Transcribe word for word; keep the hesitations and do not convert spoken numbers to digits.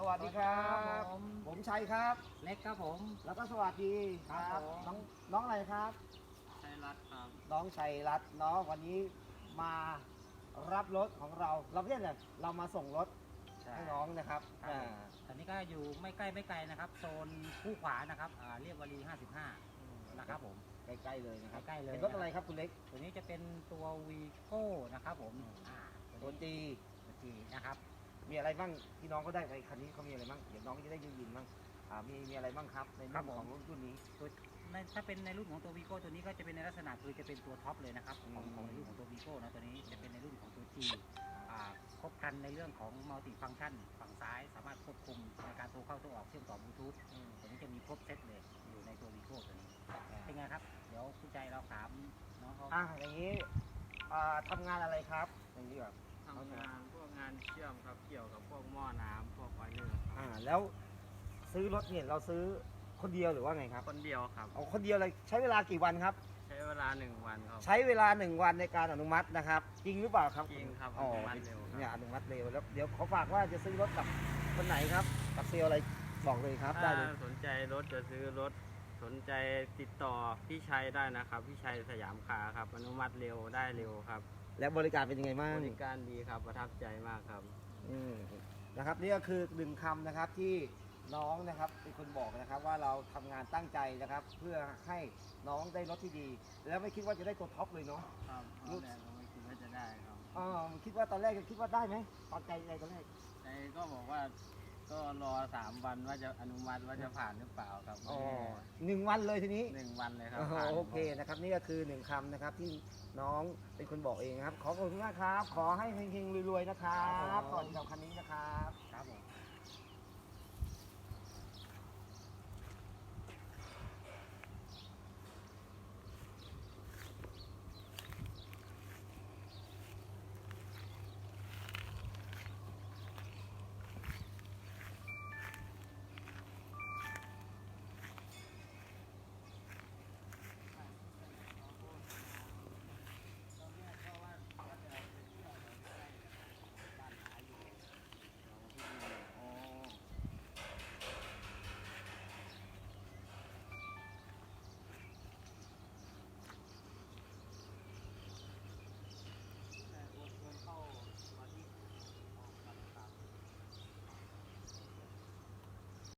วัสดีครับครับผมผมชัยครับเล็กครับผมแล้วก็สวัสดีครับผมน้องน้องอะไรครับชัยรัตน์ครับน้องชัยรัตน์เนาะวันนี้มารับรถของเรา เราไม่ใช่เลยเรามาส่งรถให้น้องนะครับครับอ่าตอนนี้ก็อยู่ไม่ใกล้ไม่ไกลนะครับ โซนคู่ขวานะครับอ่าเรียบวารีห้าสิบห้านะครับผมใกล้ๆเลยนะครับใกล้ๆเลยเป็นรถอะไรครับคุณเล็กตัวนี้จะเป็นตัววีโก้นะครับผมอ่าตัวจีตัวจีนะครับมีอะไรบ้างที่น้องก็ได้ไปคันนี้เขามีอะไรบ้างเดี๋ยวน้องจะได้ยินๆบ้างอ่ามีมีอะไรบ้างครับในครัเรื่อบ งผมของรถรุ่นนี้ตัวในถ้าเป็นในรุ่นของตัววีโก้ตัวนี้ก็จะเป็นในลักษณะคือจะเป็นตัวท็อปเลยนะครับของอืมของในรุ่นของตัววีโก้นะตัวนี้จะเป็นในรุ่นของตัวจีอ่าครบครันในเรื่องของมัลติฟังก์ชันฝั่งซ้ายสามารถควบคุมในการโทรเข้าโทรออกเชื่อมต่อบลูทูธอืมตัวนี้จะมีครบเซตเลยอยู่ในตัววีโก้ตัวนี้เป็นไงครับเดี๋ยวคุณใจเราถามน้องเขาอ่ะอย่างนี้อ่าทำงานอะไรครับอย่างนี้แบบทำงานพวกงานเชื่อมครับเกี่ยวกับพวกหม้อน้ำพวกไฟเลอร์ครับอ่าแล้วซื้อรถเนี่ยเราซื้อคนเดียวหรือว่าไงครับคนเดียวครับเอาคนเดียวเลยใช้เวลากี่วันครับใช้เวลาหนึ่งวันครับใช้เวลาหนึ่งวันในการอนุมัตินะครับ จริงหรือเปล่าครับจริงครับอ๋ออนุมัติเร็วครับเนี่ยอนุมัติเร็วแล้วเดี๋ยวขอฝากว่าจะซื้อรถกับคนไหนครับกับเซลลอะไรบอกเลยครับได้ถ้าเลยสนใจรถจะซื้อรถสนใจติดต่อพี่ชัยได้นะครับพี่ชัยสยามคาร์ครับอนุมัติเร็วได้เร็วครับและบริการเป็นยังไงบ้างบริการดีครับประทับใจมากครับอืมนะครับนี่ก็คือหนึ่งคำนะครับที่น้องนะครับเป็นคนบอกนะครับว่าเราทำงานตั้งใจนะครับ เพื่อให้น้องได้รถที่ดี แล้วไม่คิดว่าจะได้ตัวท็อปเลยเนาะครับตอนแรกก็ไม่คิดว่าจะได้ครับอ๋อคิดว่าตอนแรกคิดว่าได้ไหมตอนใจใจตอนแรกใจก็บอกว่าก็รอสามวันว่าจะอนุมัติว่าจะผ่านหรือเปล่าครับอ๋อหนึ่งวันเลยทีนี้หนึ่งวันเลยครับโอ้โหผ่านโอเคนะครับนี่ก็คือหนึ่งคำนะครับที่น้องเป็นคนบอกเองนะครับ ขอขอบคุณมากครับ ขอให้เฮงๆรวยๆนะครับสวัสดีครับคัน